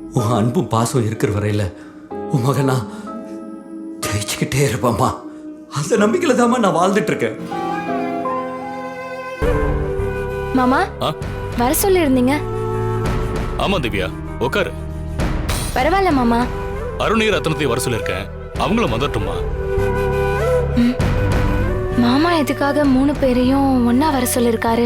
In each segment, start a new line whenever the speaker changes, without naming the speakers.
உன் அன்பும் பாசம் இருக்கிற வரையில உன் மகனா ஜெயிச்சுக்கிட்டே இருப்பாம்மா. அந்த நம்பிக்கையில தாம்மா நான் வாழ்ந்துட்டு இருக்கேன்.
மாமா வர சொல்லி இருந்தீங்க.
ஆமா திவ்யா, உட்காரு.
பரவாயில்ல மாமா.
அருணீர் ரத்னத்தையும் வர சொல்லியிருக்கேன், அவங்களும் வந்துட்டுமா.
மாமா எதுக்காக 3 பேரையும் ஒன்னா வர சொல்லிருக்காரு?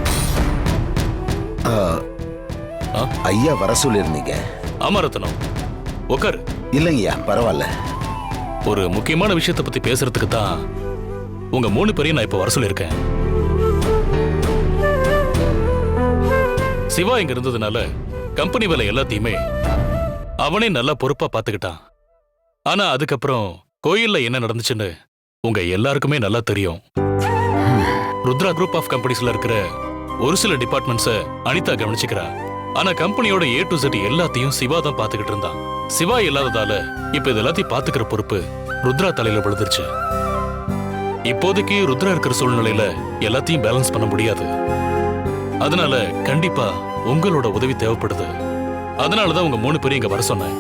ஐயா வர சொல்லிருந்தீங்க.
ஆமா ரத்னம், உட்காரு.
இல்லைங்கய்யா, பரவாயில்ல.
ஒரு முக்கியமான விஷயத்தை பத்தி பேசுறதுக்கு தான் உங்க 3 பேரையும் நான் இப்ப வர சொல்லியிருக்கேன். சிவா இங்க இருந்ததுனால கம்பெனி வேலை எல்லாத்தையுமே அவனே நல்லா பொறுப்பா பாத்துக்கிட்டான். ஆனா அதுக்கப்புறம் கோயில்ல என்ன நடந்துச்சுன்னு உங்க எல்லாருக்குமே நல்லா தெரியும். ருத்ரா குரூப் ஆஃப் கம்பெனிஸ்ல இருக்கிற ஒரு சில டிபார்ட்மெண்ட்ஸ அனிதா கவனிச்சுக்கிறா. ஆனா கம்பெனியோட A to Z எல்லாத்தையும் சிவா தான் பாத்துக்கிட்டு இருந்தான். சிவா இல்லாததால இப்ப இது எல்லாத்தையும் பாத்துக்கிற பொறுப்பு ருத்ரா தலையில விழுந்துருச்சு. இப்போதைக்கு ருத்ரா இருக்கிற சூழ்நிலையில எல்லாத்தையும் பேலன்ஸ் பண்ண முடியாது. அதனால கண்டிப்பா உங்களோட உதவி தேவைப்படுது. அதனாலதான் உங்க 3 பேரும் இங்க வர சொன்னேன்.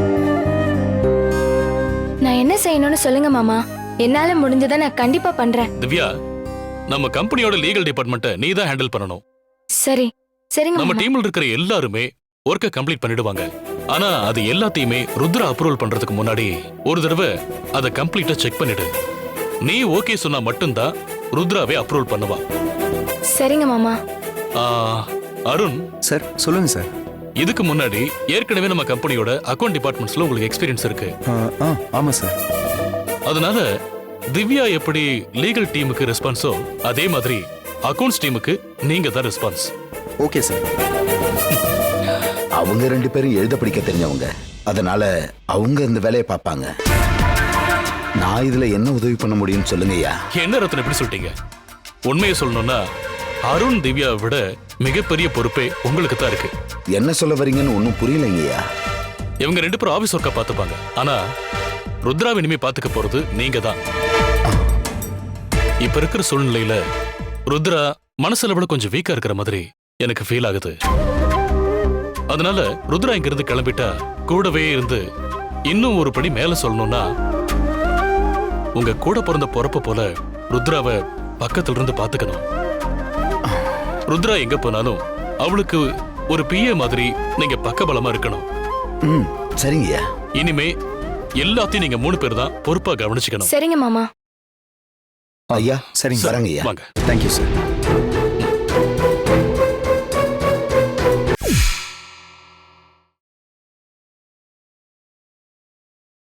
நான் என்ன செய்யணும்னு சொல்லுங்க மாமா. என்னால முடிஞ்சதை நான் கண்டிப்பா பண்றேன்.
திவ்யா, நம்ம கம்பெனியோட லீகல் டிபார்ட்மெண்ட்டை நீ தான் ஹேண்டில் பண்ணணும்.
சரி சரிங்க
நம்ம
மாமா.
டீம்ல இருக்கிற எல்லாருமே ஒர்க்கை கம்ப்ளீட் பண்ணிடுவாங்க. ஆனா அது எல்லாத்தையுமே ருத்ரா அப்ரூவல் பண்றதுக்கு முன்னாடி ஒரு தடவை அதை கம்ப்ளீட்டா செக் பண்ணிடு. நீ ஓகே சொன்னா மட்டும்தான் ருத்ராவே அப்ரூவல் பண்ணுவா.
சரிங்க மாமா.
ஆ, அருண்
சார் சொல்லுங்க சார்.
இதுக்கு முன்னாடி ஏற்கனவே நம்ம கம்பெனியோட அக்கவுண்ட் டிபார்ட்மெண்ட்ஸ்ல உங்களுக்கு எக்ஸ்பீரியன்ஸ் இருக்கு.
ஆமா சார்.
அதனால திவ்யா எப்படி லீகல் டீமுக்கு ரெஸ்பான்ஸோ அதே மாதிரி அக்கவுண்ட்ஸ் டீமுக்கு நீங்க தான் ரெஸ்பான்ஸ்.
Okay sir.
அவங்க 2 பேரும் எழுத படிக்க தெரிஞ்சவங்க, அதனால அவங்க இந்த வேலையை பார்ப்பாங்க. நான் இதுல என்ன உதவி பண்ண முடியும்னு சொல்லுங்கய்யா.
என்ன ரத்னம் எப்படி சொல்லிட்டீங்க? உண்மையை சொல்லணும்னா அருண் திவ்யாவை விட மிகப்பெரிய பொறுப்பே உங்களுக்கு தான் இருக்கு.
என்ன சொல்ல வரீங்கன்னு ஒன்னும் புரியலைங்கய்யா.
இவங்க 2 பேரும் ஆபீஸ் ஒர்க்கா பாத்துப்பாங்க. ஆனா ருத்ராவை இனிமே பாத்துக்க போறது நீங்க தான். இப்ப இருக்கிற சூழ்நிலையில ருத்ரா மனசுல விட கொஞ்சம் வீக்கா இருக்கிற மாதிரி எனக்கு ஃபீல் ஆகுது. அதனால ருத்ரா இங்க இருந்து கிளம்பிட்டா கூடவே இருந்து இன்னும் ஒரு படி மேல சொல்லணும்னா உங்க கூட பிறந்த பொறப்ப போல ருத்ராவை பக்கத்துல இருந்து பாத்துக்கணும். ருத்ரா எங்க போனாலும் அவளுக்கு ஒரு பிஏ மாதிரி நீங்க பக்கபலமா இருக்கணும்.
சரிங்கய்யா.
இனிமே எல்லாத்தையும் நீங்க 3 பேர் தான் பொறுப்பா கவனிச்சுக்கணும்.
சரிங்க மாமா.
ஐயா
சரிங்க.
வரங்கய்யா.
வாங்க.
Thank you sir.